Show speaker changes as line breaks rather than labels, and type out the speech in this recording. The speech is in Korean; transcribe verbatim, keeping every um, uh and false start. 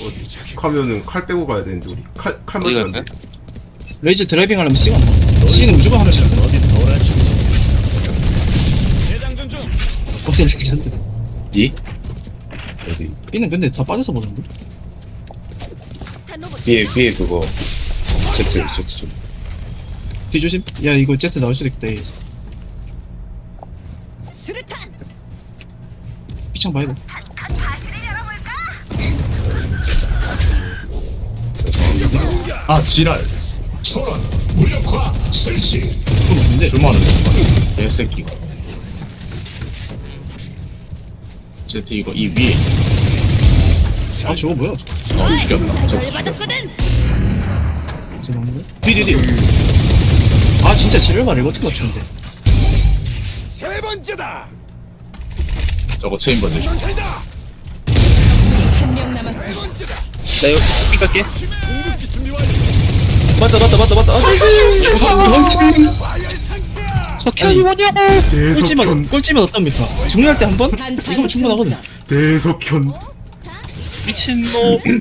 가면은 칼 빼고 가야 되는데 우리 칼 칼
어디
맞지
갈까요?
않대?
레이즈 드라이빙 하려면 C가 안 C는 무조건 하면 돼. 어디 레이즈한테
이? 어디?
B는 근데 다 빠져서 보는데?
위에 위에 그거 Z Z 좀.
뒤조심. 야 이거 Z 나올 수도 있다. A에서.
수류탄.
B창 봐야 돼.
아 지랄 초론 무력화 실시
그건 없는데.
주마는 개새끼가 Z 이거 이 위에
아 저거 뭐야?
어 죽였다 저거 죽였다
받았거든.
어디서 나오는 거야? 뒤 뒤 뒤. 아 진짜 지뢰가 이거 어떻게 맞추는데?
세 번째다.
저거 체인버 대시
한 명 남았어.
나 이거 삐 갈게.
궁극기 준비 완료.
맞다 맞다 맞다 맞다.
석현이 뭐냐고.
꼴찌만
대석현
꼴찌만 어떻습니까? 정리할 때 한 번?
단
이거면 충분하거든.
다섯
대석현
미친놈.